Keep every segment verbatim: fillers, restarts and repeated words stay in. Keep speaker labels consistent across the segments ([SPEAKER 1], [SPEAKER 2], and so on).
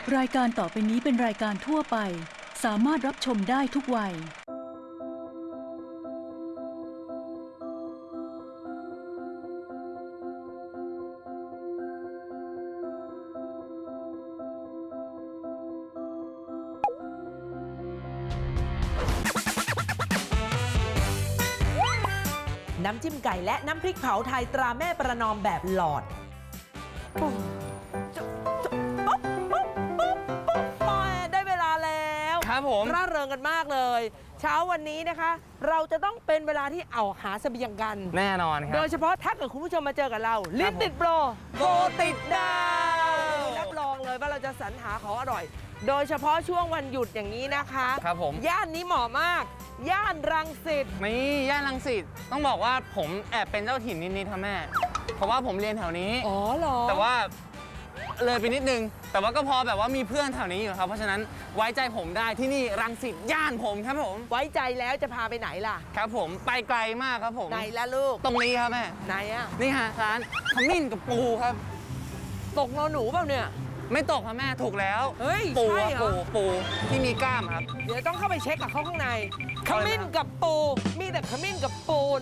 [SPEAKER 1] รายการต่อไปนี้เป็นรายการทั่วไปสามารถรับชมได้ทุกวัย
[SPEAKER 2] น้ำจิ้มไก่และน้ำพริกเผาไทยตราแม่ประนอมแบบหลอดปุ๊บปุ๊บปุ๊บปุ๊บปุ๊บได้เวลาแล้ว
[SPEAKER 3] ครับผม
[SPEAKER 2] ร่าเริงกันมากเลยเช้าวันนี้นะคะ เราจะต้องเป็นเวลาที่เอาหาเสบียงกัน
[SPEAKER 3] แน่นอนครับ
[SPEAKER 2] โดยเฉพาะถ้าเกิดคุณผู้ชมมาเจอกับเราลิ้นติดโปรโกติดดาวรับรองเลยว่าเราจะสรรหาของอร่อย โดยเฉพาะช่วงวันหยุดอย่างนี้นะคะ
[SPEAKER 3] ครับผม
[SPEAKER 2] ย่านนี้เหมาะมากย่านรังสิต
[SPEAKER 3] นี่ย่านรังสิตต้องบอกว่าผมแอบเป็นเจ้าถิ่นนิดๆครับแม่เพราะว่าผมเรียนแถวนี้
[SPEAKER 2] อ๋อเหรอ
[SPEAKER 3] แต่ว่าเลยไปนิดนึงแต่ว่าก็พอแบบว่ามีเพื่อนแถวนี้อยู่ครับเพราะฉะนั้นไว้ใจผมได้ที่นี่รังสิตย่านผมครับผม
[SPEAKER 2] ไว้ใจแล้วจะพาไปไหนล่ะ
[SPEAKER 3] ครับผมไปไกลมากครับผม
[SPEAKER 2] ไหนล่ะลูก
[SPEAKER 3] ตรงนี้ครับแม่
[SPEAKER 2] ไหนอะ
[SPEAKER 3] นี่ฮะร้านขมิ้นกับปูครับ
[SPEAKER 2] ตกนอนหนูเปล่าเนี่ย
[SPEAKER 3] ไม่ตกครับแม่ถูกแล้ว
[SPEAKER 2] เฮ้ย
[SPEAKER 3] ปู
[SPEAKER 2] ใช่เหรอ
[SPEAKER 3] ปูปูที่มีกล้ามครับ
[SPEAKER 2] เดี๋ยวต้องเข้าไปเช็คกับเขาข้างในขมิ้นกับปูมีแต่ขมิ้นกับปูน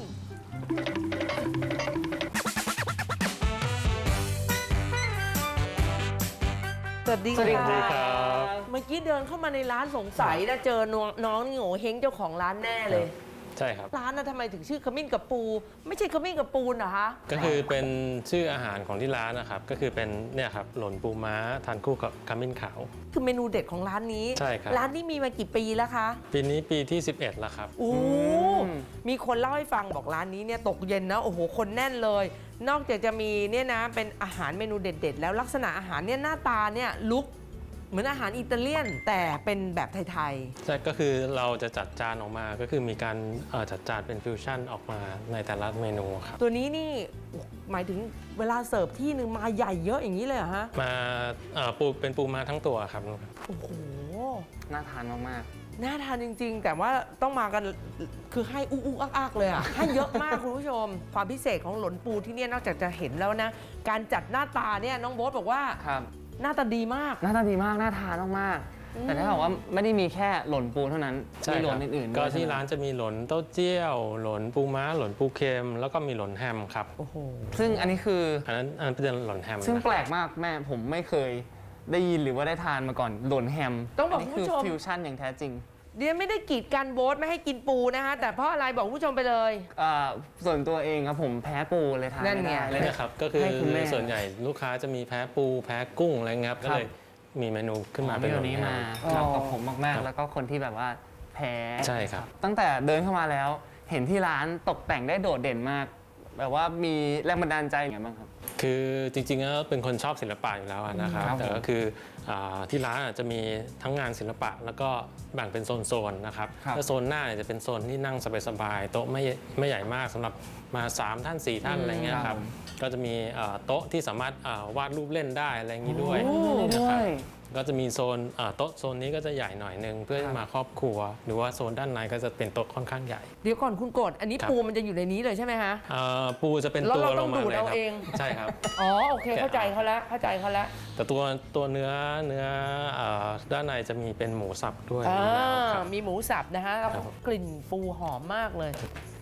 [SPEAKER 2] สวัสดีครับเมื่อกี้เดินเข้ามาในร้านสงสัยนะเจอน้องน้องโง่เฮงเจ้าของร้านแน่เลย
[SPEAKER 4] ใช่ครับ
[SPEAKER 2] ร้านน่ะทำไมถึงชื่อขมิ้นกับปูไม่ใช่ขมิ้นกับปูนเหรอคะ
[SPEAKER 4] ก็คือเป็นชื่ออาหารของที่ร้านนะครับก็คือเป็นเนี่ยครับหล่นปูม้าทานคู่กับขมิ้นขาว
[SPEAKER 2] คือเมนูเด็ดของร้านนี้
[SPEAKER 4] ใช่ครับ
[SPEAKER 2] ร้านนี้มีมากี่ปีแล้วคะ
[SPEAKER 4] ปีนี้ปีที่สิบเอ็ดแล้วครับ
[SPEAKER 2] โอ้มีคนเล่าให้ฟังบอกร้านนี้เนี่ยตกเย็นนะโอ้โหคนแน่นเลยนอกจากจะมีเนี่ยนะเป็นอาหารเมนูเด็ดๆแล้วลักษณะอาหารเนี่ยหน้าตาเนี่ยลุกเหมือนอาหารอิตาเลียนแต่เป็นแบบไทย
[SPEAKER 4] ๆใช่ก็คือเราจะจัดจานออกมาก็คือมีการจัดจานเป็นฟิวชั่นออกมาในแต่ละเมนูครับ
[SPEAKER 2] ตัวนี้นี่หมายถึงเวลาเสิร์ฟที่หนึ่งมาใหญ่เยอะอย่างนี้เลยเหรอฮะ
[SPEAKER 4] มาปูเป็นปูม้าทั้งตัวครับ
[SPEAKER 2] โอ้โห
[SPEAKER 3] น่าทานมาก
[SPEAKER 2] ๆน่าทานจริงๆแต่ว่าต้องมากันคือให้อุ๊กๆอักๆเลยอ่ะให้เยอะมากคุณผู้ชมความพิเศษของหลนปูที่นี่นอกจากจะเห็นแล้วนะการจัดหน้าตาเนี่ยน้องโบ๊ทบอกว่า
[SPEAKER 3] ครับ
[SPEAKER 2] หน้าตาดีมาก
[SPEAKER 3] หน้าตาดีมากน่าทานมากๆแต่ถ้าบอกว่าไม่ได้มีแค่หล่นปูเท่านั้นมีหล่นอื่นๆ
[SPEAKER 4] ก็ที่ร้านจะมีหล่นเต้าเจี้ยวหล่นปูม้าหล่นปูเค็มแล้วก็มีหล่นแฮมครับ
[SPEAKER 2] โอ้โห
[SPEAKER 3] ซึ่งอันนี้คือ
[SPEAKER 4] อันนั้นอันนั้นเป็นหล่นแฮม
[SPEAKER 3] ซึ่งแปลกมากแม่ผมไม่เคยได้ยินหรือว่าได้ทานมาก่อนหล่นแฮม
[SPEAKER 2] ต้องบอกคุณผู้ชม
[SPEAKER 3] ฟิวชั่นอย่างแท้จริง
[SPEAKER 2] เดี๋ยวไม่ได้กีดกันโบ๊ทไม่ให้กินปูนะคะแต่เพราะอะไรบอกผู้ชมไปเลย
[SPEAKER 3] ส่วนตัวเองครับผมแพ้ปูเลยทานไม่ได้
[SPEAKER 4] เลยนะครับก็คือส่วนใหญ่ลูกค้าจะมีแพ้ปูแพ้กุ้งอะไรเงี้ยก็เลยมีเมนูขึ้นมาเป็นแบบนี้
[SPEAKER 3] มาครับกับผมมากๆแล้วก็คนที่แบบว่าแพ้
[SPEAKER 4] ใช่ครับ
[SPEAKER 3] ตั้งแต่เดินเข้ามาแล้วเห็นที่ร้านตกแต่งได้โดดเด่นมากแบบว่ามีแรงบันดาลใจอย่างไรบ้างครับ
[SPEAKER 4] คือจริงๆแล้วเป็นคนชอบศิลปะอยู่แล้วนะครับแต่ก็คือที่ร้านจะมีทั้งงานศิลปะแล้วก็แบ่งเป็นโซนๆนะครับแล้วโซนหน้าจะเป็นโซนที่นั่งสบายๆโต๊ะไม่ไม่ใหญ่มากสำหรับมาสามท่านสี่ท่านอะไรเงี้ยครับก็จะมีโต๊ะที่สามารถวาดรูปเล่นได้อะไรอย่างนี้ด้วยนะครับก็จะมีโซนโต๊ะโซนนี้ก็จะใหญ่หน่อยนึงเพื่อมาครอบครัวหรือว่าโซนด้านในก็จะเป็นโต๊ะค่อนข้างใหญ่
[SPEAKER 2] เดี๋ยวก่อนคุณกดอันนี้ปูมันจะอยู่ในนี้เลยใช่ไหมฮะ
[SPEAKER 4] ปูจะเป็นตัวลงมาเลยครับใช่ครับ
[SPEAKER 2] อ๋อโอเคเข้าใจเขาแล้วเข้าใจเขาแล้ว
[SPEAKER 4] แต่ตัวตัวเนื้อเนื้อด้านในจะมีเป็นหมูสับด้วย
[SPEAKER 2] มีหมูสับนะฮะแล้วกลิ่นปูหอมมากเลย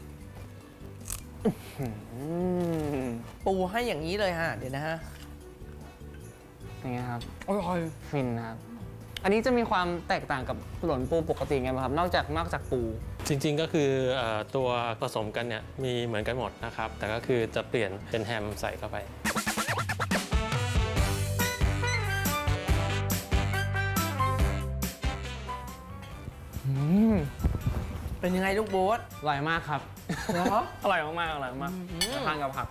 [SPEAKER 2] ปูให้อย่างนี้เลยฮะเดี๋ยวนะฮะ
[SPEAKER 3] นี่ครับ
[SPEAKER 2] อร่อย
[SPEAKER 3] ฟินนะครับอันนี้จะมีความแตกต่างกับหล่นปูปกติไงบ้างครับนอกจากนอกจากปู
[SPEAKER 4] จริงๆก็คือตัวผสมกันเนี่ยมีเหมือนกันหมดนะครับแต่ก็คือจะเปลี่ยนเป็นแฮมใส่เข้าไป
[SPEAKER 2] เป็นยังไงลูกโบ๊ท
[SPEAKER 3] อร่อยมากครับ
[SPEAKER 2] เหรอ
[SPEAKER 3] อร่อยมากๆอร่อยมากทานกับผัก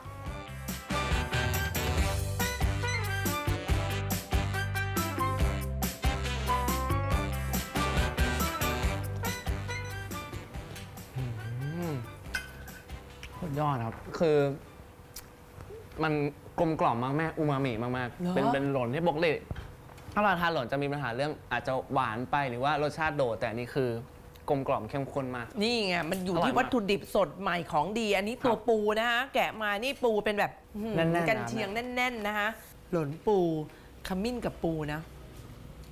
[SPEAKER 3] ยอดครับคือมันกลมกล่อมมากแม่อูมามิมากๆเป็นเป็นหล่นที่ปกติถ้าเราทานหล่นจะมีปัญหาเรื่องอาจจะหวานไปหรือว่ารสชาติโดดแต่นี่คือกลมกล่อมเข้มข้นมาก
[SPEAKER 2] นี่ไงมันอยู่ที่วัตถุดิบสดใหม่ของดีอันนี้ตัวปูนะฮะแกะมานี่ปูเป็นแบบกันเชียงแน่นๆนะฮะหล่นปูขมิ้นกับปูนะ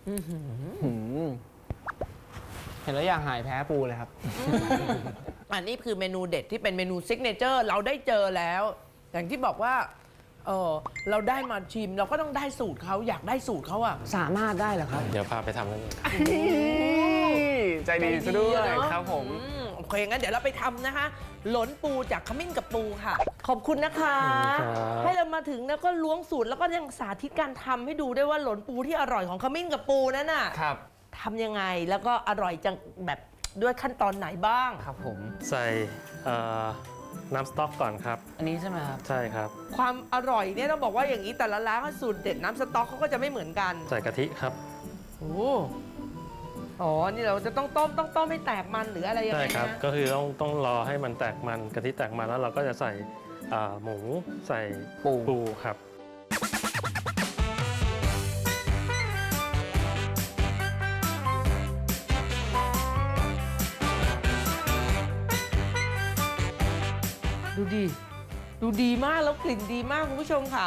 [SPEAKER 2] อื้อหือ
[SPEAKER 3] หืมเห็นแล้วอยากหายแพ้ปูเลยครับ
[SPEAKER 2] อันนี้คือเมนูเด็ดที่เป็นเมนูซิกเนเจอร์เราได้เจอแล้ว อย่างที่บอกว่าเออเราได้มาชิมเราก็ต้องได้สูตรเขาอยากได้สูตรเขาอะ
[SPEAKER 3] สามารถได้เหรอครับ
[SPEAKER 4] เดี๋ยวพาไปทำนั่นเอง
[SPEAKER 3] ใจดีซะด้วย
[SPEAKER 2] ใจดีอะเนอะ
[SPEAKER 3] ครับผม
[SPEAKER 2] อืมโอเคงั้นเดี๋ยวเราไปทำนะคะ หลนปูจากขมิ้นกับปูค่ะ ขอบคุณนะคะ ให้เรามาถึงแล้วก็ล้วงสูตรแล้วก็ยังสาธิตการทำให้ดูด้วยว่าหลนปูที่อร่อยของขมิ้นกับปูนั่นน่ะ
[SPEAKER 3] ครับ
[SPEAKER 2] ทำยังไงแล้วก็อร่อยจังแบบด้วยขั้นตอนไหนบ้าง
[SPEAKER 3] ครับผม
[SPEAKER 4] ใส่เอ่อน้ำสต๊อกก่อนครับ
[SPEAKER 3] อันนี้ใช่ไหมครับ
[SPEAKER 4] ใช่ครับ
[SPEAKER 2] ความอร่อยเนี่ยต้องบอกว่าอย่างนี้แต่ละร้านเขาสูตรเด็ดน้ำสต๊อกเขาก็จะไม่เหมือนกัน
[SPEAKER 4] ใส่กะทิครับ
[SPEAKER 2] โอ้อ๋อ นี่เราจะต้องต้มต้องต้มให้แตกมันหรืออะไรยัง
[SPEAKER 4] ใช่
[SPEAKER 2] ไง
[SPEAKER 4] ครับ
[SPEAKER 2] นะ
[SPEAKER 4] ก็คือต้องต้องรอให้มันแตกมันกะทิแตกมันแล้วเราก็จะใส่อ่าหมูใส่
[SPEAKER 3] ปู
[SPEAKER 4] ปูครับ
[SPEAKER 2] ดูดี ดูดีมากแล้วกลิ่นดีมากคุณผู้ชมค่ะ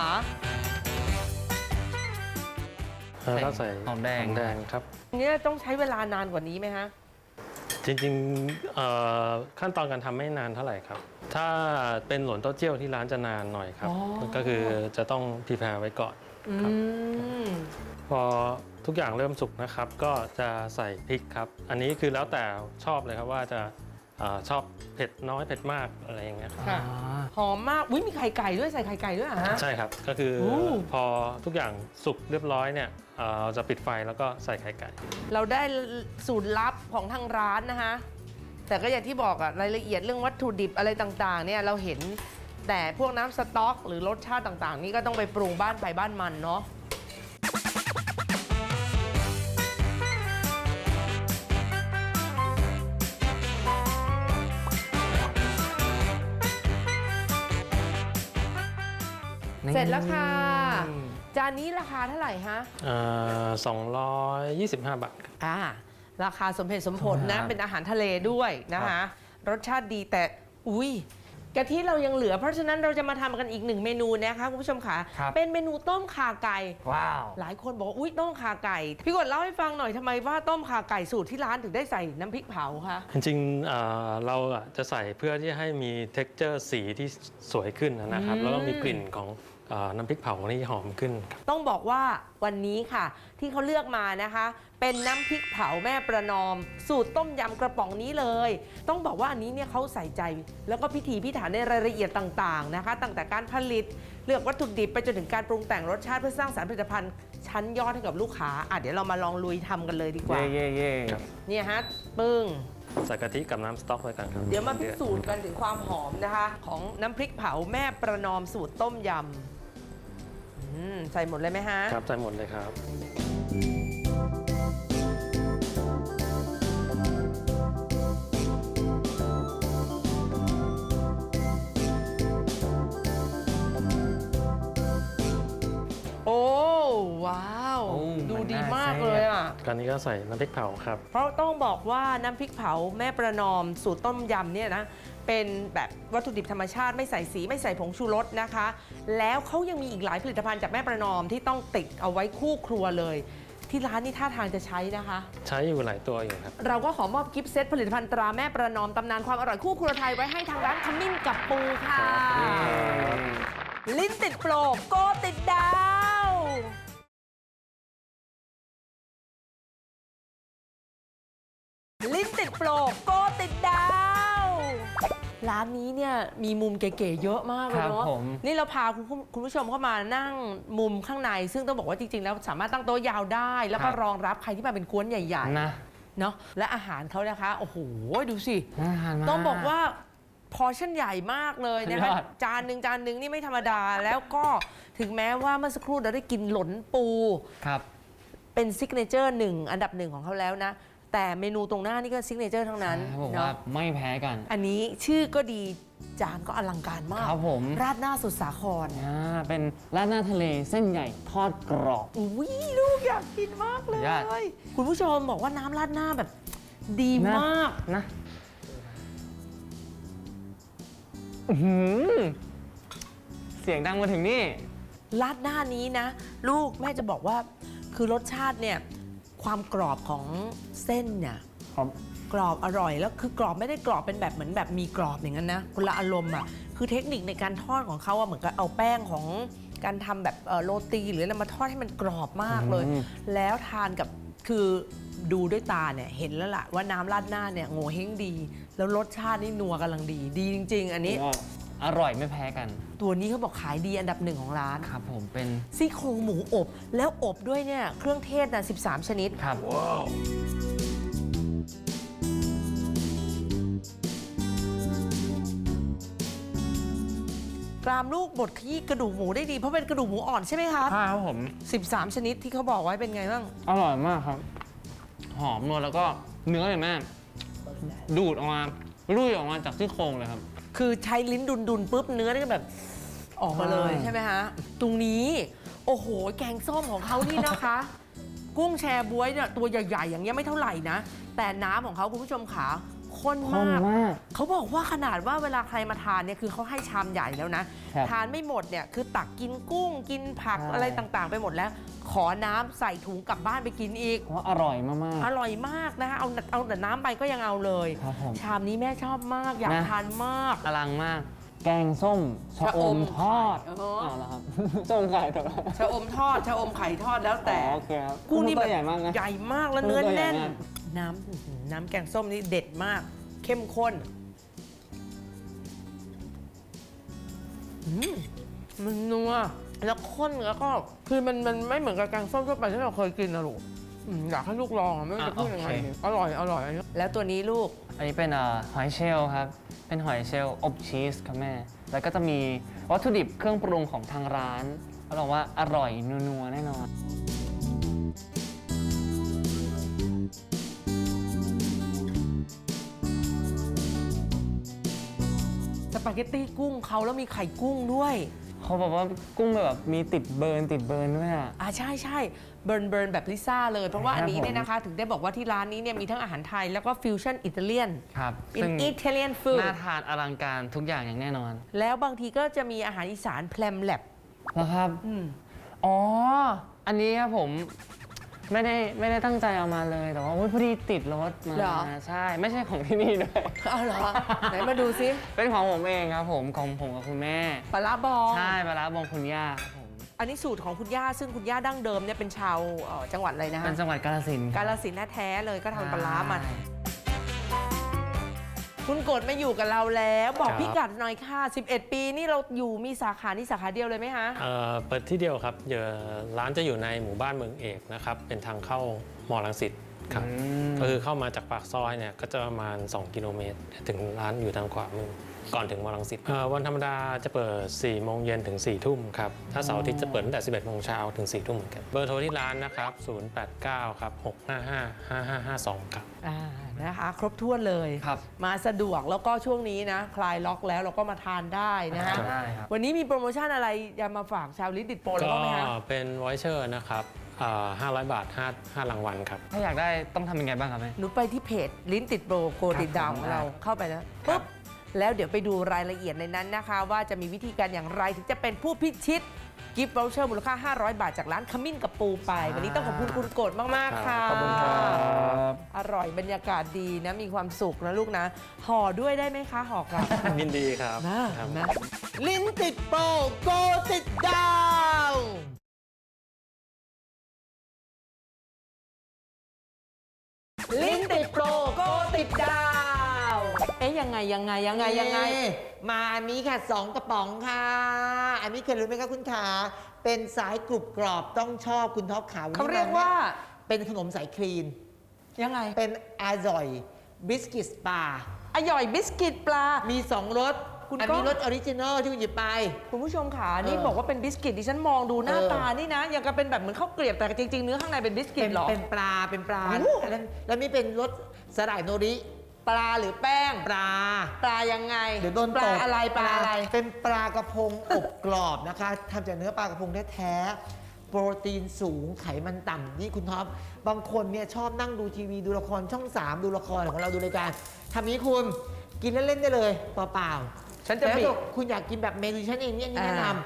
[SPEAKER 4] แล้วก็ใส่
[SPEAKER 3] หอมแดง
[SPEAKER 4] หอมแดงครับ
[SPEAKER 2] เนี่ยต้องใช้เวลานานกว่านี้ไหมฮะ
[SPEAKER 4] จริงๆเอ่อขั้นตอนการทำไม่นานเท่าไหร่ครับ ถ้าเป็นหลนเต้าเจี้ยวที่ร้านจะนานหน่อยครับ
[SPEAKER 2] อ๋อ
[SPEAKER 4] ก็คือจะต้องพรีแพร์ไว้ก่อน ครับ
[SPEAKER 2] อืม
[SPEAKER 4] พอทุกอย่างเริ่มสุกนะครับ ก็จะใส่พริกครับ อันนี้คือแล้วแต่ชอบเลยครับว่าจะเอ่อชอบเผ็ดน้อยเผ็ดมากอะไรอย่างเงี้ยครับ
[SPEAKER 2] ค่ะ หอมมาก อุ้ยมีไข่ไก่ด้วยใส่ไข่ไก่ด้วยเหรอฮะ
[SPEAKER 4] ใช่ครับ ก็คือ
[SPEAKER 2] โอ้
[SPEAKER 4] พอทุกอย่างสุกเรียบร้อยเนี่ยเอ่อเราจะปิดไฟแล้วก็ใส่ไข่ไก่
[SPEAKER 2] เราได้สูตรลับของทางร้านนะคะ แต่ก็อย่างที่บอกอะรายละเอียดเรื่องวัตถุดิบอะไรต่างๆเนี่ยเราเห็นแต่พวกน้ำสต๊อก หรือรสชาติต่างๆ นี่ก็ต้องไปปรุงบ้านไปบ้านมันเนาะ เสร็จแล้วค่ะ จานนี้ราคาเท่าไหร่ฮะ
[SPEAKER 4] สองร้อยยี่สิบห้าบาทครับ
[SPEAKER 2] อ่าราคาสมเหตุสมผลนะ
[SPEAKER 3] ครับ
[SPEAKER 2] เป็นอาหารทะเลด้วยนะคะ รสชาติดีแต่อุ้ยกะทิเรายังเหลือ เพราะฉะนั้นเราจะมาทำกันอีกหนึ่งเมนูนะคะคุณผู้ชมค่ะ
[SPEAKER 3] ครับ
[SPEAKER 2] เป็นเมนูต้มข่าไก่
[SPEAKER 3] ว้าว
[SPEAKER 2] หลายคนบอกว่าอุ้ยต้มข่าไก่ พี่กดเล่าให้ฟังหน่อยทำไมว่าต้มข่าไก่สูตรที่ร้านถึงได้ใส่น้ำพริกเผาคะ
[SPEAKER 4] จริงๆเอ่อเราอะจะใส่เพื่อที่ให้มี เท็กเจอร์ สีที่สวยขึ้นนะครับ
[SPEAKER 2] อืม
[SPEAKER 4] แล้วก็มีกลิ่นของเอ่อน้ำพริกเผาที่หอมขึ้นครับ
[SPEAKER 2] ต้องบอกว่าวันนี้ค่ะ ที่เขาเลือกมานะคะ เป็นน้ำพริกเผาแม่ประนอม สูตรต้มยำกระป๋องนี้เลย ต้องบอกว่าอันนี้เนี่ยเขาใส่ใจ แล้วก็พิถีพิถันในรายละเอียดต่างๆนะคะ ตั้งแต่การผลิตเลือกวัตถุดิบไปจนถึงการปรุงแต่งรสชาติเพื่อสร้างสรรค์ผลิตภัณฑ์ชั้นยอดให้กับลูกค้าอ่ะเดี๋ยวเรามาลองลุยทำกันเลยดีกว่า
[SPEAKER 3] เย่เย่เย่
[SPEAKER 4] ครับ
[SPEAKER 2] เนี่ยฮะปึ้ง
[SPEAKER 4] ใส่กะทิกับน้ำสต๊อกไว้กันครับ
[SPEAKER 2] เดี๋ยวมาพิสูจน์กันถึงความหอมนะคะ ของน้ำพริกเผาแม่ประนอมสูตรต้มยำอืมใส่หมดเลยไหมฮะ
[SPEAKER 4] ครับใส่หมดเลยครับ
[SPEAKER 2] โอ้ว้าว ดูดีมากเลยอ่ะ
[SPEAKER 4] การนี้ก็ใส่น้ำพริกเผาครับ
[SPEAKER 2] เพราะต้องบอกว่าน้ำพริกเผาแม่ประนอมสูตรต้มยำเนี่ยนะเป็นแบบวัตถุดิบธรรมชาติไม่ใส่สีไม่ใส่ผงชูรสนะคะ แล้วเขายังมีอีกหลายผลิตภัณฑ์จากแม่ประนอมที่ต้องติดเอาไว้คู่ครัวเลย ที่ร้านนี่ท่าทางจะใช้นะคะ
[SPEAKER 4] ใช้อยู่หลายตัวอยู่ครับ
[SPEAKER 2] เราก็ขอมอบกิฟต์เซตผลิตภัณฑ์ตราแม่ประนอมตำนานความอร่อยคู่ครัวไทยไว้ให้ทางร้านขมิ้นกับปูค่ะ ลิ้นติดโปรโกติดดาว ลิ้นติดโปรโกติดดาว ร้านนี้เนี่ยมีมุมเก๋ๆเยอะมากเลย
[SPEAKER 3] ครับ
[SPEAKER 2] เนาะ
[SPEAKER 3] ผม
[SPEAKER 2] นี่เราพาคุณผู้คุณผู้ชมเข้ามานั่งมุมข้างใน ซึ่งต้องบอกว่าจริงๆ แล้วสามารถตั้งโต๊ะยาวได้ แล้วก็
[SPEAKER 3] ครับ
[SPEAKER 2] รองรับใครที่มาเป็นกวนใหญ่
[SPEAKER 3] นะ
[SPEAKER 2] ๆเนาะและอาหารเขานะคะ โอ้โห ดูสิ
[SPEAKER 3] น่าทานมาก
[SPEAKER 2] ต้องบอกว่าพอร์ชั่นใหญ่มากเลยนะคะ
[SPEAKER 3] ยอด
[SPEAKER 2] จานหนึ่งจานหนึ่งนี่ไม่ธรรมดา แล้วก็ถึงแม้ว่าเมื่อสักครู่เราได้กินหลนปู
[SPEAKER 3] ครับ
[SPEAKER 2] เป็นซิกเนเจอร์หนึ่งอันดับหนึ่งของเขาแล้วนะ แต่เมนูตรงหน้านี่ก็ซิกเนเจอร์ทั้งนั้น
[SPEAKER 3] ผม
[SPEAKER 2] เนาะ
[SPEAKER 3] ว่าไม่แพ้กัน
[SPEAKER 2] อันนี้ชื่อก็ดีจานก็อลังการมาก
[SPEAKER 3] ครับผม
[SPEAKER 2] ราดหน้าสุดสาคร
[SPEAKER 3] อ่าเป็นราดหน้าทะเลเส้นใหญ่ทอดกรอบ
[SPEAKER 2] อุ้ยลูกอยากกินมากเลย
[SPEAKER 3] ยอด
[SPEAKER 2] คุณผู้ชมบอกว่าน้ำราดหน้าแบบดี
[SPEAKER 3] นะ
[SPEAKER 2] มาก
[SPEAKER 3] นะอื้อหือเสียงดังมาถึงนี่
[SPEAKER 2] ราดหน้านี้นะ ลูกแม่จะบอกว่าคือรสชาติเนี่ยความกรอบของเส้นเนี่ย
[SPEAKER 3] ครับ
[SPEAKER 2] กรอบอร่อยแล้วคือกรอบไม่ได้กรอบเป็นแบบเหมือนแบบมีกรอบอย่างนั้นนะคนละอารมณ์อ่ะคือเทคนิคในการทอดของเขาอะเหมือนกับเอาแป้งของการทำแบบเอ่อโรตีหรืออะไรมาทอดให้มันกรอบมากเลย
[SPEAKER 3] อืม
[SPEAKER 2] แล้วทานกับคือดูด้วยตาเนี่ยเห็นแล้วล่ะว่าน้ำราดหน้าเนี่ยโง่เฮงดี แล้วรสชาตินี่นัวกำลังดีดีจริง ๆ อันนี้
[SPEAKER 3] ก็อร่อยไม่แพ้กัน
[SPEAKER 2] ตัวนี้เขาบอกขายดีอันดับหนึ่งของร้าน
[SPEAKER 3] ครับผมเป็น
[SPEAKER 2] ซี่โครงหมูอบ แล้วอบด้วยเนี่ยเครื่องเทศนะสิบสามชนิด
[SPEAKER 3] ครับ
[SPEAKER 2] กรามลูกบดขยี้กระดูกหมูได้ดีเพราะเป็นกระดูกหมูอ่อนใช่ไหมครับ
[SPEAKER 3] ข้าวผม
[SPEAKER 2] สิบสามชนิดที่เขาบอกไว้เป็นไงบ้าง
[SPEAKER 3] อร่อยมากครับ หอมนวลแล้วก็เนื้อเนี่ยแม่ดูดออกมาลุยออกมาจากซี่โครงเลยครับ
[SPEAKER 2] คือใช้ลิ้นดุนดุนๆปุ๊บเนื้อนี่ก็แบบออกมาเลย
[SPEAKER 3] ใช่
[SPEAKER 2] ใช่ไหมฮะ ตรงนี้โอ้โห แกงส้มของเขานี่นะคะ กุ้งแชบ๊วยเนี่ยตัวใหญ่ ๆ อย่างเงี้ยไม่เท่าไหร่นะ แต่น้ำของเขาคุณผู้ชมขาข้น
[SPEAKER 3] ข้น
[SPEAKER 2] มาก
[SPEAKER 3] มาก
[SPEAKER 2] เขาบอกว่าขนาดว่าเวลาใครมาทานเนี่ยคือเขาให้ชามใหญ่แล้วนะ
[SPEAKER 3] ครับ
[SPEAKER 2] ทานไม่หมดเนี่ยคือตักกินกุ้งกินผัก
[SPEAKER 3] ใช่
[SPEAKER 2] อะไรต่างๆ ไปหมดแล้ว ขอน้ำใส่ถุงกลับบ้านไปกินอีก
[SPEAKER 3] เพราะอร่อยมาก
[SPEAKER 2] อร่อยมากนะคะเอาเอาแต่น้ำไปก็ยังเอาเลย
[SPEAKER 3] ครับผม
[SPEAKER 2] ชามนี้แม่ชอบมากอยาก
[SPEAKER 3] นะ
[SPEAKER 2] ทานมาก
[SPEAKER 3] ๆอลังมาก แกงส้มชะอมทอด
[SPEAKER 2] ชะอมไข่เออ
[SPEAKER 3] เอาละครับ ส้มไข่ทอด
[SPEAKER 2] ชะอมทอดชะอมไข่ทอดแล้วแต่
[SPEAKER 3] อ๋อโอเคครับ
[SPEAKER 2] กุ้งนี่
[SPEAKER 3] ตั
[SPEAKER 2] แบ
[SPEAKER 3] ว
[SPEAKER 2] บ
[SPEAKER 3] ใหญ่มากนะ
[SPEAKER 2] ใหญ่มากแล้วเนื้อ
[SPEAKER 3] ตัวใหญ่
[SPEAKER 2] แน่น
[SPEAKER 3] มาก
[SPEAKER 2] น้ำอื้อหือน้ำแกงส้มนี่เด็ดมาก เข้มข้นอืมมันนัวแล้วข้นแล้วก็คือมันมันไม่เหมือนกับแกงส้มทั่วไปที่เราเคยกินนะลูกอืมอยากให้ลูกลองอะไม่รู้จะพูดยังไงดีอร่อยอร่อยแล้วตัวนี้ลูก
[SPEAKER 3] อันนี้เป็นเอ่อหอยเชลล์ครับ เป็นหอยเชลล์อบชีสครับแม่ แล้วก็จะมีวัตถุดิบเครื่องปรุงของทางร้านรับรองว่าอร่อยนัวๆแน่นอน
[SPEAKER 2] สปาเกตตี้กุ้งเขาแล้วมีไข่กุ้งด้วย
[SPEAKER 3] เขาบอกว่ากุ้งแบบมีติดเบิร์นติดเบิร์นด้วยอ่ะ
[SPEAKER 2] อ่าใช่ใช่เบิร์นเบิร์นแบบลิซ่าเลย เพราะว่าอันนี้
[SPEAKER 3] ครับผม
[SPEAKER 2] เนี่ยนะคะ ถึงได้บอกว่าที่ร้านนี้เนี่ยมีทั้งอาหารไทยแล้วก็ฟิวชั่นอิตาเลียน
[SPEAKER 3] ครับ
[SPEAKER 2] เป็น
[SPEAKER 3] ซึ่ง
[SPEAKER 2] อิตาเลียนฟู้ด
[SPEAKER 3] น่าทานอลังการทุกอย่างอย่างแน่นอน
[SPEAKER 2] แล้วบางทีก็จะมีอาหารอีสานแพลมแลบ
[SPEAKER 3] แล้วครับ
[SPEAKER 2] อืม
[SPEAKER 3] อ๋อ อันนี้ครับผมไม่ได้ไม่ได้ตั้งใจเอามาเลย แต่ว่าอุ๊ยพอดีติดรถมา
[SPEAKER 2] เหรอ
[SPEAKER 3] ใช่ ไม่ใช่ของที่นี่ด้วย
[SPEAKER 2] เอาเหรอ ไหนมาดูซิ
[SPEAKER 3] เป็นของผมเองครับผมของผมกับคุณแม่
[SPEAKER 2] ปลาร้าบอง
[SPEAKER 3] ใช่ปลาร้าบองคุณย่าครับผม
[SPEAKER 2] อันนี้สูตรของคุณย่าซึ่งคุณย่าดั้งเดิมเนี่ยเป็นชาวเอ่อจังหวัดอะไรนะฮะ
[SPEAKER 3] เป็นจังหวัดกาฬสินธุ์
[SPEAKER 2] กาฬสินธุ์แท้ๆเลยก็ทำปลาร้ามาคุณกดมาอยู่กับเราแล้ว บอก
[SPEAKER 4] ครับ
[SPEAKER 2] พี่กัดหน่อยค่ะ สิบเอ็ด ปีนี่เราอยู่มีสาขานี่สาขาเดียวเลยไหมฮะ
[SPEAKER 4] เอ่อเปิดที่เดียวครับเดี๋ยวร้านจะอยู่ในหมู่บ้านเมืองเอกนะครับเป็นทางเข้ามอลังสิตครับ
[SPEAKER 3] อืม
[SPEAKER 4] ก็คือเข้ามาจากปากซอยเนี่ยก็จะประมาณ สอง กิโลเมตร ถึงร้านอยู่ทางขวามือก่อนถึงมอลังสิตเอ่อวันธรรมดาจะเปิด สี่โมงเย็นถึง สี่ ทุ่มครับถ้าเสาร์อาทิตย์จะเปิดตั้งแต่ สิบเอ็ด โมงเช้าถึง สี่ ทุ่มเหมือนกันเบอร์โทรที่ร้านนะครับ ศูนย์ แปด เก้า ครับ หก ห้า ห้า ห้า ห้า ห้า สอง ครับ
[SPEAKER 2] อ่านะคะ ครบถ้วนเลย
[SPEAKER 3] ครับ
[SPEAKER 2] มาสะดวกแล้วก็ช่วงนี้นะ คลายล็อกแล้วเราก็มาทานได้นะฮะ
[SPEAKER 3] ได้ครับ
[SPEAKER 2] วันนี้มีโปรโมชั่นอะไรจะมาฝากชาวลิตติดโปรแล้ว
[SPEAKER 4] ก็
[SPEAKER 2] บ้างไหมฮะ
[SPEAKER 4] เป็นวอยเชอร์นะครับอ่าห้าร้อย บาท ห้า ห้ารางวัลครับ
[SPEAKER 3] ถ้าอยากได้ต้องทำยังไงบ้างครับแม่
[SPEAKER 2] หนูไปที่เพจลิ้นติดโปรโกติดดาวของเราเข้าไปแล้วปุ๊บแล้วเดี๋ยวไปดูรายละเอียดในนั้นนะคะ ว่าจะมีวิธีการอย่างไรถึงจะเป็นผู้พิชิตกิฟต์ o วเชอร์มูลค่า ห้าร้อย บาทจากร้านขมิ้นกับปูไป วันนี้ต้องขอบคุณคุณโกดมาก ๆ ค่ะ
[SPEAKER 3] ขอบคุณครับ
[SPEAKER 2] อร่อยบรรยากาศดีนะ มีความสุขนะลูกนะ ห่อด้วยได้ไหมคะห่อกลับ
[SPEAKER 4] ยินดีครับ
[SPEAKER 2] นะครับ นะลิ้นติดโปรโกติดดาว ลิ้นติดโปรโกติดดาว เอ๊ยยังไงยังไงยังไงยังไง
[SPEAKER 5] มาอันนี้ค่ะสองกระป๋องค่ะ อันนี้เคยรู้ไหมคะคุณขาเป็นสายกรุบกรอบต้องชอบคุณท็อปขาว
[SPEAKER 2] เขาเรียกว่า
[SPEAKER 5] เป็นขนมสายคลีน
[SPEAKER 2] ยังไง
[SPEAKER 5] เป็นอาจอยบิสกิตสปา
[SPEAKER 2] อร่อยบิสกิตปลา
[SPEAKER 5] มีสองรส
[SPEAKER 2] คุณ
[SPEAKER 5] อัน
[SPEAKER 2] ก้
[SPEAKER 5] นี้
[SPEAKER 2] อง
[SPEAKER 5] รสออริจินอลที่คุณหยิบไป
[SPEAKER 2] คุณผู้ชมขานี่
[SPEAKER 5] เออ
[SPEAKER 2] บอกว่าเป็นบิสกิตดิฉันมองดูหน้า
[SPEAKER 5] เออ
[SPEAKER 2] ตานี่นะยังกับเป็นแบบเหมือนข้าวเกรียบแต่จริง ๆ เนื้อข้างในเป็นบิสกิ
[SPEAKER 5] เป็
[SPEAKER 2] ต
[SPEAKER 5] น
[SPEAKER 2] เหรอ
[SPEAKER 5] เป็นปลาเป็นปลา
[SPEAKER 2] โอ้
[SPEAKER 5] แล้วแล้วมีเป็นรสสลายโนริ
[SPEAKER 2] ปลาหรือแป้ง
[SPEAKER 5] ปลา
[SPEAKER 2] ปลายังไง
[SPEAKER 5] เดี๋ยวโดน
[SPEAKER 2] ป
[SPEAKER 5] ต
[SPEAKER 2] ลาก อะไรปลาอะไร
[SPEAKER 5] เป็นปลากระพงอบกรอบนะคะทำจากเนื้อปลากระพงแท้ๆโปรตีนสูงไขมันต่ำนี่คุณท็อปบางคนเนี่ยชอบนั่งดูทีวีดูละครช่องสามดูละครของเราดูรายการทำนี้คุณกินเล่นๆได้เลยเปล่าๆ
[SPEAKER 2] ฉันจะ
[SPEAKER 5] แล้ว
[SPEAKER 2] บิ
[SPEAKER 5] ถ้าคุณอยากกินแบบเมนูฉันเองเนี่ยนี่แนะน
[SPEAKER 2] อ่า
[SPEAKER 5] ำ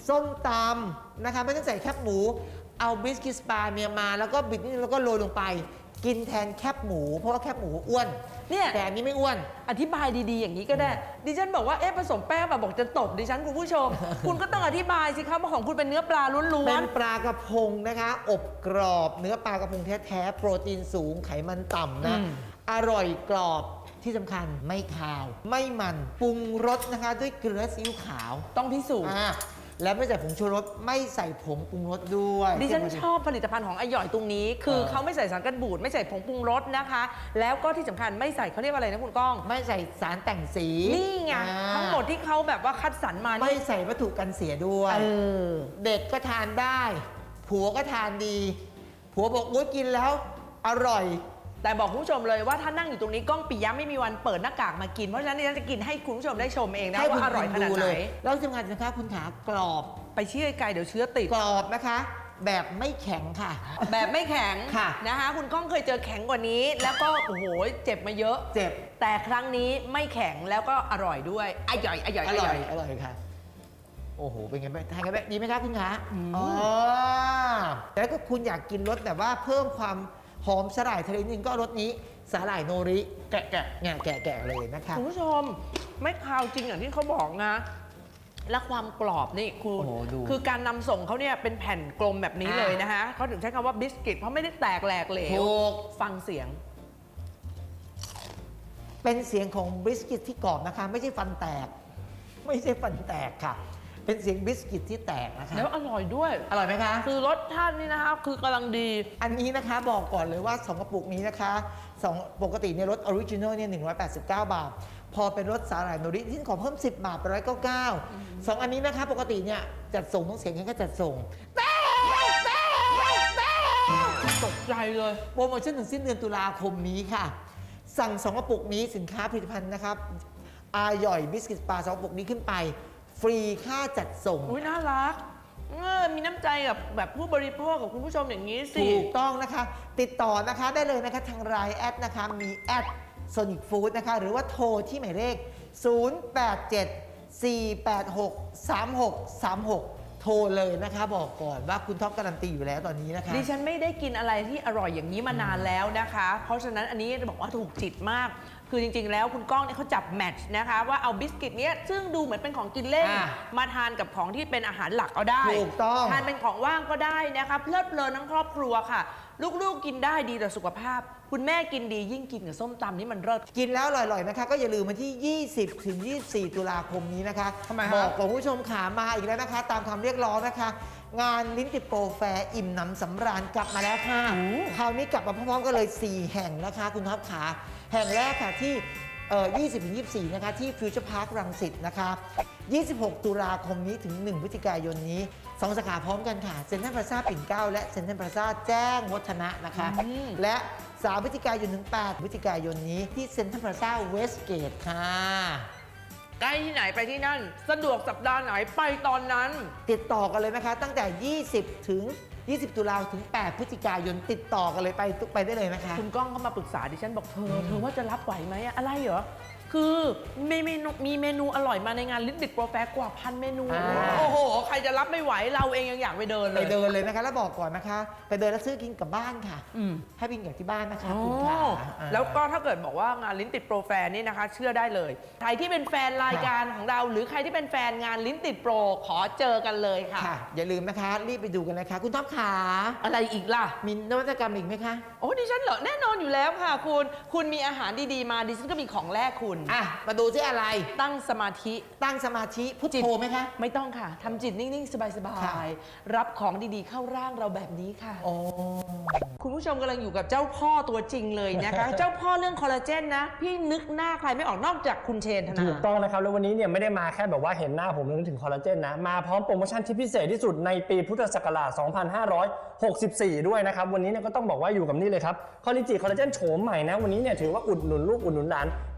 [SPEAKER 5] ส้มตำนะคะไม่ต้องใส่แคบหมูเอาบิสกิตสปาเมียมาแล้วก็บิดนิดนึงแล้วก็โรยลงไป กินแทนแคบหมูเพราะว่าแคบหมูอ้วน
[SPEAKER 2] เนี่ย
[SPEAKER 5] แต่อันนี้ไม่อ้วน
[SPEAKER 2] อธิบายดีๆอย่างนี้ก็ได้ ดิฉันบอกว่าเอ๊ะผสมแป้งแบบบอกจะตบดิฉันคุณผู้ชม คุณก็ต้องอธิบายสิครับว่าของคุณเป็นเนื้อปลาล้
[SPEAKER 5] เป็
[SPEAKER 2] วน
[SPEAKER 5] นปลากระพงนะคะ อบกรอบเนื้อปลากระพงแท้ๆโปรตีนสูงไขมันต่ำนะ
[SPEAKER 2] อืม
[SPEAKER 5] อร่อยกรอบที่สำคัญไม่คาว ไม่มันปรุงรสนะคะ ด้วยเกลือซีอิ๊วขาว
[SPEAKER 2] ๆ ต้องพิสูจน์
[SPEAKER 5] อ่าและไม่ใส่ผงชูรสไม่ใส่ผงปรุงรสด้วย
[SPEAKER 2] ดิฉันชอบผลิตภัณฑ์ของไอหย่อยตรงนี้ คือ
[SPEAKER 5] เออ
[SPEAKER 2] เขาไม่ใส่สารกันบูดไม่ใส่ผงปรุงรสนะคะ แล้วก็ที่สำคัญไม่ใส่เขาเรียกว่าอะไรนะคุณก้อง
[SPEAKER 5] ไม่ใส่สารแต่งสี
[SPEAKER 2] นี่ไง
[SPEAKER 5] อ่า
[SPEAKER 2] ทั้งหมดที่เขาแบบว่าคัดสรรมา
[SPEAKER 5] ไม่
[SPEAKER 2] นี่
[SPEAKER 5] ใส่วัตถุกันเสียด้วย
[SPEAKER 2] เออ
[SPEAKER 5] เด็กก็ทานได้ ผัวก็ทานดี ผัวบอกโอ้ยกินแล้วอร่อย
[SPEAKER 2] แต่บอกคุณผู้ชมเลยว่าถ้านั่งอยู่ตรงนี้ก้องปิยะไม่มีวันเปิดหน้ากากมากิน เพราะฉะนั้นดิฉันจะกินให้คุณผู้ชมได้ชมเองนะ
[SPEAKER 5] ให้
[SPEAKER 2] ว่า
[SPEAKER 5] คุณ
[SPEAKER 2] อร่อยขนาด
[SPEAKER 5] ดู
[SPEAKER 2] ไห
[SPEAKER 5] เล
[SPEAKER 2] น
[SPEAKER 5] ยแล้วที่สำคัญนะคะคุณขากรอบ
[SPEAKER 2] ไปเชื่อไกลเดี๋ยวเชื้อติด
[SPEAKER 5] กรอบนะคะ แบบไม่แข็งค่ะ
[SPEAKER 2] แบบไม่แข็ง
[SPEAKER 5] ค่ะ
[SPEAKER 2] นะคะคุณก้องเคยเจอแข็งกว่านี้ แล้วก็โอ้โหเจ็บมาเยอะ
[SPEAKER 5] เจ็บ
[SPEAKER 2] แต่ครั้งนี้ไม่แข็งแล้วก็อร่อยด้วยอร่อยอร่อย
[SPEAKER 5] อ
[SPEAKER 2] อ
[SPEAKER 5] ร่
[SPEAKER 2] ร่
[SPEAKER 5] อ
[SPEAKER 2] อย ย
[SPEAKER 5] อร่อยค่ะ โอ้โห เป็นไงบ้างทานกันแบบดีไหมคะคุณขา
[SPEAKER 2] อืม
[SPEAKER 5] อ๋อแล้วก็คุณอยากกินรสแบบว่าเพิ่มความหอมสาหร่ายทะเลนิดนึงก็รสนี้สาหร่ายโนริแกะแกะเนี่ยแกะแกะเลยนะคะ
[SPEAKER 2] คุณผู้ชมไม่คาวจริงอย่างที่เขาบอกนะ และความกรอบนี่คุณ
[SPEAKER 5] โอ้โหดู
[SPEAKER 2] คือการนำส่งเขาเนี่ยเป็นแผ่นกลมแบบนี้
[SPEAKER 5] อ่า
[SPEAKER 2] เลยนะคะเขาถึงใช้คำว่าบิสกิตเพราะไม่ได้แตกแหลกเหลว
[SPEAKER 5] ถูก
[SPEAKER 2] ฟังเสียง
[SPEAKER 5] เป็นเสียงของบิสกิตที่กรอบนะคะ ไม่ใช่ฟันแตก ไม่ใช่ฟันแตกค่ะ เป็นเสียงบิสกิตที่แตกนะคะ
[SPEAKER 2] แล้วอร่อยด้วย
[SPEAKER 5] อร่อยไหมคะ
[SPEAKER 2] คือรสชาตินี่นะคะคือกำลังดี
[SPEAKER 5] อันนี้นะคะบอกก่อนเลยว่าสองกระปุกนี้นะคะสองปกติในยรสออริจินอลเนี่ยหนึ่งร้อยแปดสิบเก้าบาท พอเป็นรสสาหร่ายโนริที่ขอเพิ่มสิบบาทเป็นร้อยเก้าเก้าสองอันนี้นะคะปกติเนี่ยจัดส่งต้องเสียงแค่จัดส่งแต่
[SPEAKER 2] ตกใจเลย
[SPEAKER 5] โปรโมชั่นถึงสิ้นเดือนตุลาคมนี้ค่ะ สั่งสองกระปุกนี้สินค้าผลิตภัณฑ์นะครับอาหย่อยบิสกิตปลาสองกระปุกนี้ขึ้นไป ฟรีค่าจัดส่ง
[SPEAKER 2] อุ้ยน่ารักเออมีน้ำใจกับแบบผู้บริโภคกับคุณผู้ชมอย่างนี้สิ
[SPEAKER 5] ถูกต้องนะคะ ติดต่อนะคะได้เลยนะคะทางไลน์แอดนะคะมีแอด Sonic Food นะคะ หรือว่าโทรที่หมายเลข ศูนย์ แปด เจ็ด สี่ แปด หก สาม หก สาม หก โทรเลยนะคะ บอกก่อนว่าคุณท็อปการันตีอยู่แล้วตอนนี้นะคะ
[SPEAKER 2] ดิฉันไม่ได้กินอะไรที่อร่อยอย่างนี้มานานแล้วนะคะ เพราะฉะนั้นอันนี้จะบอกว่าถูกจิตมาก คือจริงๆ แล้วคุณก้องเนี่ยเขาจับแมทช์นะคะว่าเอาบิสกิตเนี้ยซึ่งดูเหมือนเป็นของกินเล่น
[SPEAKER 5] อ่า
[SPEAKER 2] มาทานกับของที่เป็นอาหารหลักก็ได้
[SPEAKER 5] ถูกต้อง
[SPEAKER 2] ทานเป็นของว่างก็ได้นะคะเพลิดเพลินทั้งครอบครัวค่ะ ลูกๆกินได้ดีต่อสุขภาพ คุณแม่กินดียิ่งกินกับส้มตำนี่มันเลิศ
[SPEAKER 5] กินแล้วอร่อยๆนะคะ ก็อย่าลืมวันที่ ยี่สิบ ถึง ยี่สิบสี่ ตุลาคมนี้นะคะ
[SPEAKER 2] ทำไมฮะ
[SPEAKER 5] บอกกับคุณผู้ชมขามาอีกแล้วนะคะ ตามคำเรียกร้องนะคะ งานลิ้นติดโปรแฟร์อิ่มหนำสำราญกลับมาแล้วค่ะ คราวนี้กลับมาพร้อมๆกันเลย สี่ แห่งนะคะ คุณท็อปขาแห่งแรกค่ะที่เอ่อยี่สิบ ถึง ยี่สิบสี่ นะคะ ที่ฟิวเจอร์พาร์ครังสิตนะคะ ยี่สิบหก ตุลาคมนี้ถึง หนึ่ง พฤศจิกายนนี้สองสาขาพร้อมกันค่ะเซ็นทรัลพลาซ่าปิ่นเกล้าและเซ็นทรัลพลาซ่าแจ้งวัฒนะนะคะ
[SPEAKER 2] อืม
[SPEAKER 5] และ สาม พฤศจิกายนถึง แปด พฤศจิกายนนี้ที่เซ็นทรัลพลาซ่าเวสเกตค่ะ
[SPEAKER 2] ใกล้ที่ไหนไปที่นั่น สะดวกสัปดาห์ไหนไปตอนนั้น
[SPEAKER 5] ติดต่อกันเลยนะคะ ตั้งแต่ ยี่สิบ ถึง ยี่สิบ ตุลาถึง แปด พฤศจิกายนติดต่อกันเลยไปทุกไปได้เลยนะคะ
[SPEAKER 2] คุณก้องก็มาปรึกษาดิฉันบอกเธอ เธอว่าจะรับไหวไหมอะอะไรเหรอ คือมีเมนูมีเมนูอร่อยมาในงานลิ้นติดโปรแฟร์กว่าพันเมนู
[SPEAKER 5] อ่า
[SPEAKER 2] โอ้โห ใครจะรับไม่ไหวเราเองยังอยากไปเดินเล
[SPEAKER 5] ไป
[SPEAKER 2] ย
[SPEAKER 5] เดินเลยนะคะ แล้วบอกก่อนนะคะ ไปเดินแล้วซื้อกินกลับบ้านค่ะ
[SPEAKER 2] อืม
[SPEAKER 5] ให้บินกลับที่บ้านนะคะ
[SPEAKER 2] อ๋อ
[SPEAKER 5] คุณขาอ่า
[SPEAKER 2] แล้วก็ถ้าเกิดบอกว่างานลิ้นติดโปรแฟร์นี่นะคะ เชื่อได้เลย ใครที่เป็นแฟนรายการของเรา หรือใครที่เป็นแฟนงานลิ้นติดโปรขอเจอกันเลยค่ะ
[SPEAKER 5] ค่ะ อย่าลืมนะคะ รีบไปดูกันนะคะ คุณท็อปขา
[SPEAKER 2] อะไรอีกล่ะ
[SPEAKER 5] มีนวัตกรรมอีกไหมคะ
[SPEAKER 2] โอ้ดิฉันเหรอแน่นอนอยู่แล้วค่ะ คุณคุณมีอาหารดีๆมาดิฉันก็มีของแรกคุณ
[SPEAKER 5] อ่ะ มาดูที่อะไร
[SPEAKER 2] ตั้งสมาธิ
[SPEAKER 5] ตั้งสมาธิพุทโธไหมคะ
[SPEAKER 2] ไม่ต้องค่ะ ทำจิตนิ่ง ๆ ส
[SPEAKER 5] ค่ะ
[SPEAKER 2] บาย ๆ รับของดี ๆ เข้าร่างเราแบบนี้ค่ะ
[SPEAKER 5] โอ้
[SPEAKER 2] คุณผู้ชมกำลังอยู่กับเจ้าพ่อตัวจริงเลยนะคะ เจ้าพ่อเรื่องคอลลาเจนนะ พี่นึกหน้าใครไม่ออกนอกจากคุณเชนธนา
[SPEAKER 6] ถูกต้องนะครับ แล้ววันนี้เนี่ยไม่ได้มาแค่แบบว่าเห็นหน้าผมแล้วนึกถึงคอลลาเจนนะ มาพร้อมโปรโมชั่นที่พิเศษที่สุดในปีพุทธศักราช สองพันห้าร้อยหกสิบสี่ ด้วยนะครับ วันนี้เนี่ยก็ต้องบอกว่าอยู่กับนี่เลยครับคอลลิจิคอลลาเจนโฉมใหม่นะ วันนี้เนี่ยถือว่าอุดหนุนลูกอุดหนุนหลาน เปิดบินแล้ว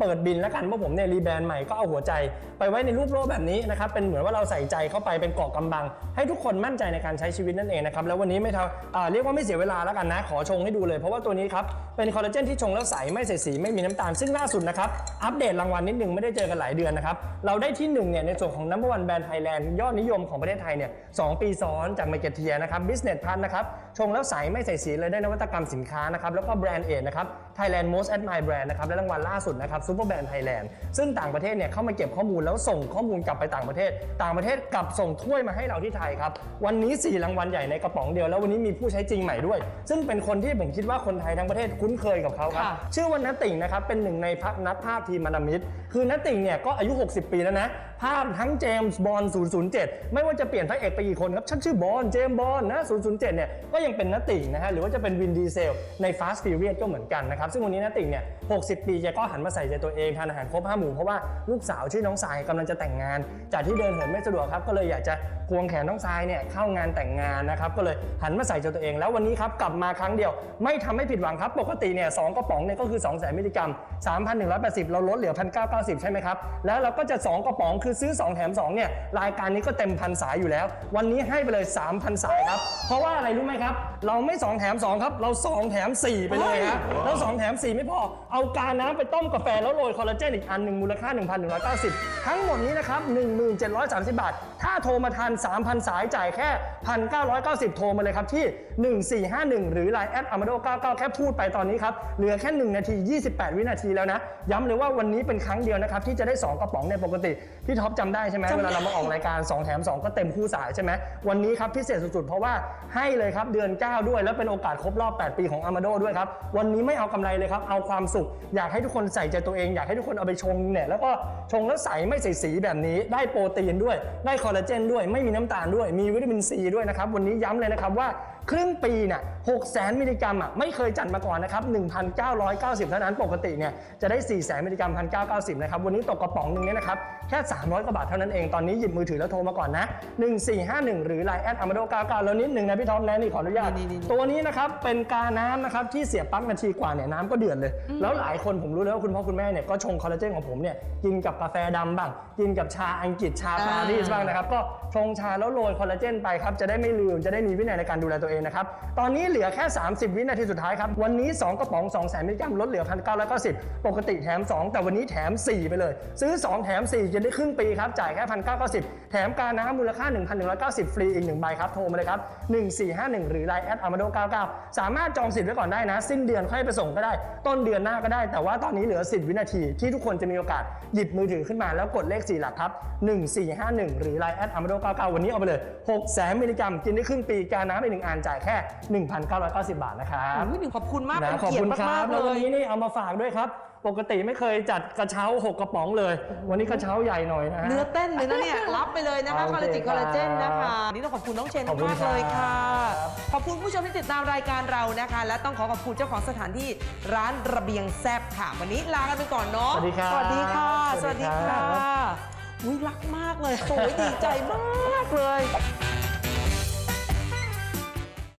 [SPEAKER 6] แล้วกันว่าผมเนี่ยรีแบรนด์ใหม่ก็เอาหัวใจไปไว้ในรูปโลกแบบนี้นะครับเป็นเหมือนว่าเราใส่ใจเข้าไปเป็นเกราะกำบังให้ทุกคนมั่นใจในการใช้ชีวิตนั่นเองนะครับแล้ววันนี้ไม่เท่าอ่าเรียกว่าไม่เสียเวลาแล้วกันนะขอชงให้ดูเลยเพราะว่าตัวนี้ครับเป็นคอลลาเจนที่ชงแล้วใสไม่เสียสีไม่มีน้ำตาลซึ่งล่าสุดนะครับอัปเดตรางวัลนิดนึงไม่ได้เจอกันหลายเดือนนะครับเราได้ที่หนึ่งเนี่ยในส่วนของ นัมเบอร์ วัน แบรนด์ไทยแลนด์ยอดนิยมของประเทศไทยเนี่ยสองปีซ้อนจาก Marketeer นะครับ Business Plus นะครับชงแล้วใสไม่ใส่สีเลยได้นวัตกรรมสินค้านะครับแล้วก็แบรนด์เอทนะครับ Thailand Most Admired Brand นะครับและรางวัลล่าสุดนะครับ Super Brand Thailand ซึ่งต่างประเทศเนี่ยเข้ามาเก็บข้อมูลแล้วส่งข้อมูลกลับไปต่างประเทศต่างประเทศกลับส่งถ้วยมาให้เราที่ไทยครับวันนี้สี่รางวัลใหญ่ในกระป๋องเดียวแล้ววันนี้มีผู้ใช้จริงใหม่ด้วยซึ่งเป็นคนที่ผมคิดว่าคนไทยทั้งประเทศคุ้นเคยกับเขาครับชื่อว่านัตติ่งนะครับเป็นหนึ่งในนักภาพทีมมานามิดคือนัตติ่งเนี่ยก็อายุหกสิบปีแล้วนะภาพทั้งเจมส์บอนด์ศูนย์ศูนย์เจ็ดไม่ว่าจะเปลี่ยนพระเอกไปกี่คนครับฉันชื่อบอนด์เจมส์บอนด์นะศูนย์ศูนย์เจ็ดเนี่ยก็ยังเป็นนัตติ่งนะฮะหรือว่าจะเป็นวินดีเซลใน Fast Furious ก็เหมือนกันนะครับซึ่งวันนี้นัตติ่งเนี่ยหกสิบปีแกก็หันมาใส่ใจตัวเองทานอาหารครบห้าหมู่เพราะว่าลูกสาวชื่อน้องทรายกำลังจะแต่งงานจากที่เดินเหินไม่สะดวกครับก็เลยอยากจะควงแขนน้องทรายเนี่ยเข้างานแต่งงานนะครับก็เลยหันมาใส่ใจตัวเองแล้ววันนี้ครับกลับมาครั้งเดียวไม่ทำให้ผิดหวังครับปกติเนี่ยสองกระป๋องเนี่ยก็คือสองแสนมิลลิกรัม สามพันหนึ่งร้อยแปดสิบ เราลดเหลือ หนึ่งพันเก้าร้อยเก้าสิบ ใช่ไหมครับแล้วเราก็จะสองกระป๋องคือซื้อสองแถมสองเนี่ยรายการนี้ก็เต็มพันสายอยู่แล้ววันนี้ให้ไปเลย สามพัน สายครับเพราะว่าอะไรรู้ไหมครับเราไม่สองแถมสองครับเราสองแถมสี่ไปเลยฮะแล้วสองแถมสี่ไม่พอเอากาน้ำไปต้มกาแฟแล้วโรยคอลลาเจนอีกอันหนึ่งมูลค่า หนึ่งพันหนึ่งร้อยเก้าสิบ ทั้งหมดนี้นะครับ หนึ่งพันเจ็ดร้อยสามสิบ บาทถ้าโทรมาทัน สามพัน สายจ่ายแค่ หนึ่งพันเก้าร้อยเก้าสิบ โทรมาเลยครับที่หนึ่งสี่ห้าหนึ่งหรือ ไลน์ แอท อามาโดเก้าสิบเก้า แค่พูดไปตอนนี้ครับเหลือแค่หนึ่งนาทียี่สิบแปดวินาทีแล้วนะย้ำเลยว่าวันนี้เป็นครั้งเดียวนะครับที่จะได้สองกระป๋องในปกติพี่ท็อปจำได้ใช่ไหมเวลาเรามาออกรายการสองแถมสองก็เต็มคู่สายใช่ไหมวันนี้ครับพิเศษสุดๆเพราะว่าให้เลยครับเดือนเก้าด้วยแล้วเป็นโอกาสครบรอบแปดปีของอามาโดด้วยครับวันนี้ไม่เอากำไรเลยครับเอาความสุขอยากให้ทุกคนใส่ใจตัวเองอยากให้ทุกคนเอาไปชงเนี่ยแล้วก็ชงแล้วใสไม่ใส่สีแบบนี้ได้โปรตีนด้วยได้คอลลาเจนด้วยไม่มีน้ำตาลด้วยมีวิตามินซีด้วยนะครับวันนี้ย้ำเลยนะครับว่าครึ่งปีเนี่ยหกแสนมิลลิกรัมอ่ะไม่เคยจัดมาก่อนนะครับ หนึ่งพันเก้าร้อยเก้าสิบ เท่านั้นปกติเนี่ยจะได้สี่แสนมิลลิกรัม หนึ่งพันเก้าร้อยเก้าสิบ นะครับวันนี้ตกกระป๋องนึงเนี่ยนะครับแค่สามร้อยกว่าบาทเท่านั้นเองตอนนี้หยิบมือถือแล้วโทรมาก่อนนะหนึ่งสี่ห้าหนึ่งหรือ ไลน์ แอท อามาโดเก้าสิบเก้าแล้วนิดนึงนะพี่ท็อปนะนี่ขออนุญาตตัวนี้นะครับเป็นกาน้ำนะครับที่เสียบปลั๊กนาทีกว่าเนี่ยน้ำก็เดือดเลยแล้วหลายคนผมรู้แล้วว่าคุณพ่อคุณแม่เนี่ยก็ชงคอลลาเจนของผมเนี่ยกินกับกาแฟดำบ้างกินกับชาอังกฤษชาปารีสบ้างนะครับก็ชงชาแล้วโรยคอลลาเจนไปครับจะได้ไม่ลืมจะได้มีวินัยในการดูแลตัวเองนะครับตอนนี้เหลือแค่สามสิบวินาทีสุดท้ายครับวันนี้สองกระป๋องสองแสนมิลลิกรัมลดเหลือ หนึ่งพันเก้าร้อยเก้าสิบ ปกติแถมสองแต่วันนี้แถมสี่ไปเลยซื้อสองแถมสี่จะได้ครึ่งปีครับจ่ายแค่ หนึ่งพันเก้าร้อยเก้าสิบ แถมกาน้ำมูลค่า หนึ่งพันหนึ่งร้อยเก้าสิบ ฟรีอีกหนึ่งใบครับโทรมาเลยครับหนึ่งสี่ห้าหนึ่งหรือ ไลน์ แอท อามาโดเก้าสิบเก้าสามารถจองสิทธิ์ไว้ก่อนได้นะสิ้นเดือนค่อยไปส่งก็ได้ต้นเดือนหน้าก็ได้แต่ว่าตอนนี้เหลือสิบวินาทีที่ทุกคนจะมีโอกาสหยิบมือถือขึ้นมาแล้วกดเลขสี่หลักครับหนึ่งสี่ห้าหนึ่งหรือ ไลน์ แอท อามาโดเก้าสิบเก้าวันนี้เอาไปเลยหกแสนมิลลิกรัมกินได้ครึ่งปีกาน้ำไปหนึ่งอันจ่ายแค่ หนึ่งพันเก้าร้อยเก้าสิบ บาทนะครับ
[SPEAKER 2] หนึ่งขอบคุณมาก
[SPEAKER 6] นะ
[SPEAKER 2] เป็น
[SPEAKER 6] ขอบ
[SPEAKER 2] เกียร
[SPEAKER 6] คุณ
[SPEAKER 2] ติ
[SPEAKER 6] ครั
[SPEAKER 2] มา
[SPEAKER 6] บ
[SPEAKER 2] กๆ
[SPEAKER 6] แล้ว
[SPEAKER 2] เล
[SPEAKER 6] วัน
[SPEAKER 2] ย
[SPEAKER 6] นี้นี่เอามาฝากด้วยครับปกติไม่เคยจัดกระเช้าหกกระป๋องเลยวันนี้กระเช้าใหญ่หน่อยนะฮะ
[SPEAKER 2] เนื้อเต้นเลยนะเนี่ย รับไปเลยนะคะ
[SPEAKER 6] โอ
[SPEAKER 2] คอล
[SPEAKER 6] เค
[SPEAKER 2] ลาจิคอลลาเจน
[SPEAKER 6] ครับ
[SPEAKER 2] นะคะวันนี่ต้องขอบคุณน้องเชน
[SPEAKER 6] ขอบคุณ
[SPEAKER 2] มากๆเลยค่ะ
[SPEAKER 6] ครับ
[SPEAKER 2] ขอบคุณผู้ชมที่ติดตามรายการเรานะคะ และต้องขอขอบคุณเจ้าของสถานที่ร้านระเบียงแซบค่ะ วันนี้ลากันไปก่อนเนาะ
[SPEAKER 6] สวัสดีครับ
[SPEAKER 2] สวัสดีค่ะ
[SPEAKER 6] ส
[SPEAKER 2] ส
[SPEAKER 6] วั
[SPEAKER 2] วั
[SPEAKER 6] ส
[SPEAKER 2] ส
[SPEAKER 6] ดี
[SPEAKER 2] ดี
[SPEAKER 6] ครั
[SPEAKER 2] ค่ะ
[SPEAKER 6] บ
[SPEAKER 2] อุ้ยรักมากเลยโอ้ยดีใจมากเลย